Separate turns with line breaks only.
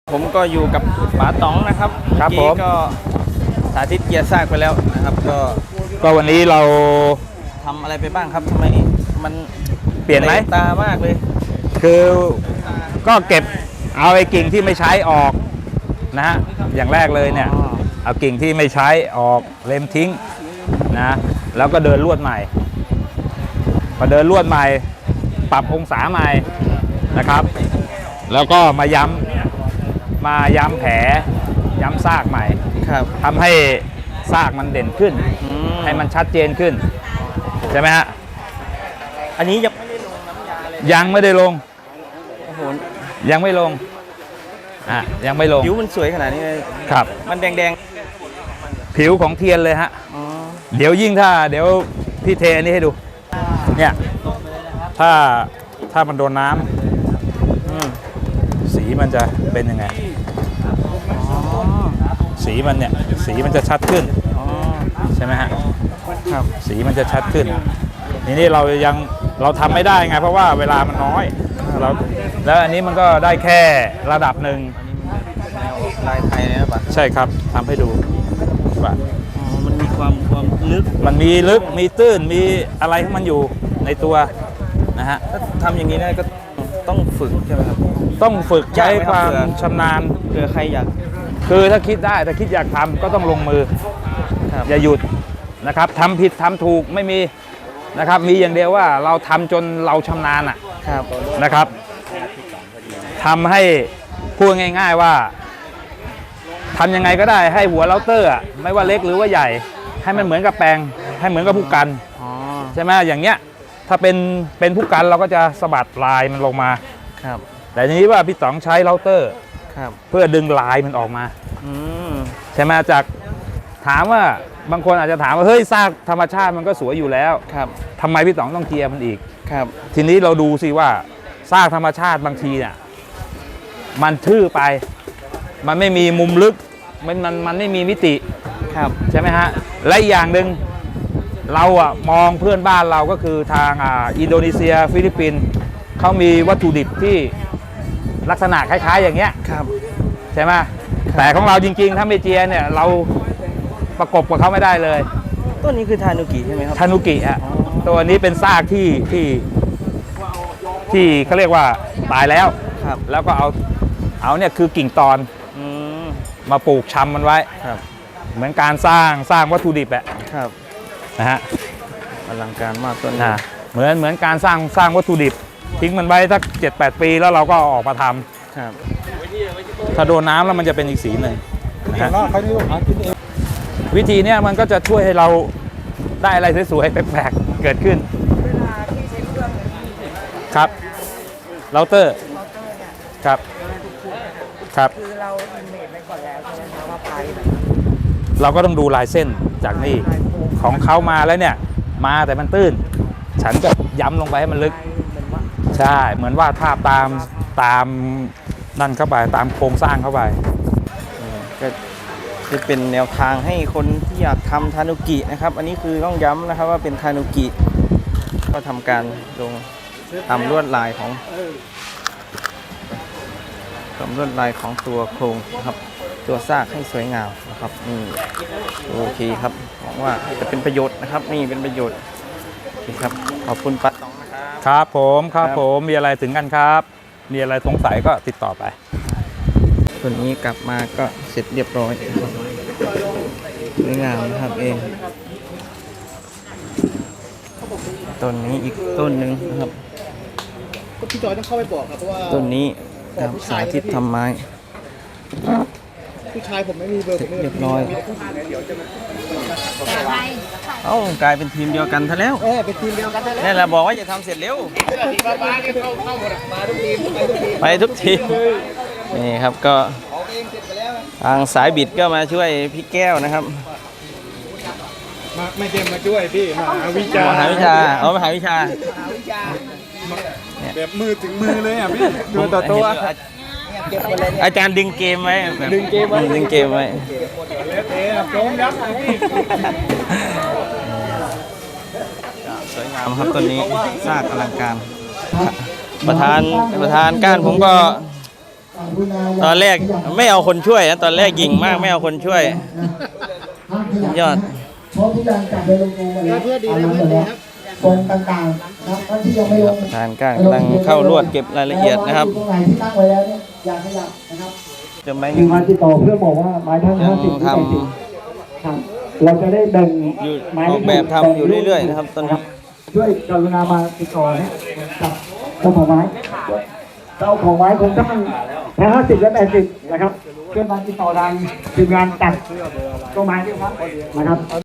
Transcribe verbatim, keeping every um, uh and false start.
ผมก็อยู่กับป๋าต๋องนะครับ
ครับผม
ก็สาธิตเกียร์ซากไปแล้วนะครับก็
ก็วันนี้เรา
ทำอะไรไปบ้างครับทำไมมัน
เปลี่ยนไหม
ตามากเลย
คือก็เก็บเอาไอ้กิ่งที่ไม่ใช้ออกนะฮะอย่างแรกเลยเนี่ยเอากิ่งที่ไม่ใช้ออกเล็มทิ้งนะแล้วก็เดินลวดใหม่พอเดินลวดใหม่ปรับองศาใหม่นะครับแล้วก็มาย้ำมาย้ำแผลย้ำซากใหม่
ครับ
ทำให้ซากมันเด่นขึ้นให้มันชัดเจนขึ้นใช่ไหมฮะ
อันนี้ยังไม่ได้ลงน้ำยาเลย
ยังไม่ได้ลง
โอ้โห
ยังไม่ลงอ่ะยังไม่ลง
ผิวมันสวยขนาดนี้เลย
ครับ
มันแดง
ๆผิวของเทียนเลยฮะเดี๋ยวยิ่งถ้าเดี๋ยวพี่เทอันนี้ให้ดูเนี่ยถ้าถ้ามันโดนน้ำสีมันจะเป็นยังไงสีมันเนี่ยสีมันจะชัดขึ้นใช่ไหมฮะครับสีมันจะชัดขึ้นนี่นี่เรายังเราทำไม่ได้ไงเพราะว่าเวลามันน้อยเราแล้วอันนี้มันก็ได้แค่ระดับหนึ่ง
ลายไทยนะป่ะ
ใช่ครับทำให้ดูว่า
มันมีความความลึก
มันมีลึกมีตื้นมีอะไรของมันอยู่ในตัวนะฮะ
ถ้าทำอย่างนี้ได้ก็ต้องฝึกใช่ไหมครับ
ต้องฝึกใช้ความชำนาญ
เผื่อใครอยาก
คือถ้าคิดได้ถ้าคิดอยากทำก็ต้องลงมืออย่าหยุดนะครับทำผิดทำถูกไม่มีนะครับมีอย่างเดียวว่าเราทำจนเราชำนาญอ่ะนะครับทำให้พูดง่ายๆว่าทำยังไงก็ได้ให้หัวเราเตอร์ไม่ว่าเล็กหรือว่าใหญ่ให้มันเหมือนกับแปลงให้เหมือนกับผู้กันใช่ไหมอย่างเงี้ยถ้าเป็นเป็นผู้กันเราก็จะสะบัดลายมันลงมา
ครับ
แต่ทีนี้ว่าพี่ต๋องใช้เราเตอร์เพื่อดึงลายมันออกมาใช่ไหมจากถามว่าบางคนอาจจะถามว่าเฮ้ยซากธรรมชาติมันก็สวยอยู่แล้ว
ครับ
ทำไมพี่ต๋องต้องเจียมันอีก
ครับ
ทีนี้เราดูสิว่าซากธรรมชาติบางทีเนี่ยมันทื่อไปมันไม่มีมุมลึกมันมันมันไม่มีมิติ
ครับ
ใช่ไหมฮะและอีกอย่างหนึ่งเราอะมองเพื่อนบ้านเราก็คือทางอ่าอินโดนีเซียฟิลิปปินส์เขามีวัตถุดิบที่ลักษณะคล้ายๆอย่างเงี้ย
ครับ
ใช่ไหมแต่ของเราจริงๆถ้าไม่เจียเนี่ยเราประกบกับเขาไม่ได้เลย
ต้นนี้คือทานุกิใช่ไหมครับ
ทานุกิฮะตัวนี้เป็นซากที่ที่ที่เขาเรียกว่าตายแล้ว
ครับ
แล้วก็เอาเอาเนี่ยคือกิ่งตอนมาปลูกชำมันไว้
ครับ
เหมือนการสร้างสร้างวัตถุดิบแหละ
ครับ
นะฮะ
อลังการมากต้นนี้
เหมือนเหมือนการสร้างสร้างวัตถุดิบทิ้งมันไว้สักเจ็ดแปดปีแล้วเราก็ออกมาทำ
ครับ
ถ้าโดนน้ำแล้วมันจะเป็นอีกสีหนึ่งนะฮะวิธีเนี้ยมันก็จะช่วยให้เราได้อะไรสวยๆแปลกๆเกิดขึ้นครับเราเตอร์ครับครับ
คือเราอินเมจไปก่อนแล้วใช่ไหมคะว่าไป
เราก็ต้องดูลายเส้นจากนี่ของเขามาแล้วเนี่ยมาแต่มันตื้นฉันก็ย้ำลงไปให้มันลึกใช่เหมือนว่าภาพตามตามนั่นเข้าไปตามโครงสร้างเข้าไป
ก็จะเป็นแนวทางให้คนที่อยากทำทานุกินะครับอันนี้คือต้องย้ำนะครับว่าเป็นทานุกิก็ทำการลงตามลวดลายของตามลวดลายของตัวโครงนะครับตัวซากให้สวยงามนะครับนี่โอเคครับหวังว่าจะเป็นประโยชน์นะครับนี่เป็นประโยชน์ครับขอบคุณป๋าต๋องนะครับ
ครับผมครับผมมีอะไรถึงกันครับมีอะไรสงสัยก็ติดต่อไป
ตัวนี้กลับมาก็เสร็จเรียบร้อยสวยงามนะครับเองต้นนี้อีกต้นหนึ่งนะครับ
พี่จอยต้องเข้าไปบอกครับเพราะว่า
ต้นนี้สาธิตทำไม้
ผู้ชายผมไม่มีเบอร์ผม
เรียบร้อยเอ้ากลายเป็นทีมเดียวกันซะแล้ว
เออเป็นทีมเดียวกันซะแล้ว
นี่แหละบอกว่าจะทำเสร็จเร็ว
บ้านนี่เข้าเข้าหมดมาทุกทีม
ไปทุกทีมนี่ครับก็ทางสายบิดก็มาช่วยพี่แก้วนะครับ
มาไม่เต็มมาช่วยพี่มหาวิชาม
หาวิชาเอามหาวิชา
แบบมือถึงมือเลยอ่ะพี่ตัวต่อตัว
อาจารย์ดึงเกมไว้
ดึงเกมไว้
ดึงเกมไว้สวยงามครับต้นนี้ซากอลังการประธานประธานก้านผมก็ตอนแรกไม่เอาคนช่วยนะตอนแรกยิงมากไม่เอาคนช่วย ยอด
เพราะทุกอย่างจับไปลงตัวแล้วเพื่อดีแล้วเพื่อดีครับตรงต่างๆนะครับท่านที่ยังไม่ลง
ประธานก้างกำลังเข้ารวดเก็บรายละเอียดนะครับ
ตรงไหนที่ตั้งไว้แล้วเนี่ยอย่าขยับนะครับ
จะไม่
มีมาติดต่อเพื่อบอกว่าไม้ทั้ง
ยัง
ห้าสิบ
ท
ที่แปดสิบครับเราจะได้แบ่ง
ำอยู่
ไม้
ออกแบบทำอยู่เรื่อยๆนะครับตอนนี้
ช่วยกรุณามาติดต่อเนี่ยกับเจ้าของไม้เจ้าของไม้คงต้องทั้งห้าสิบและแปดสิบนะครับเพื่อมาติดต่อทางทีมงานตัดต้นไม้ด้วยครับนะครับ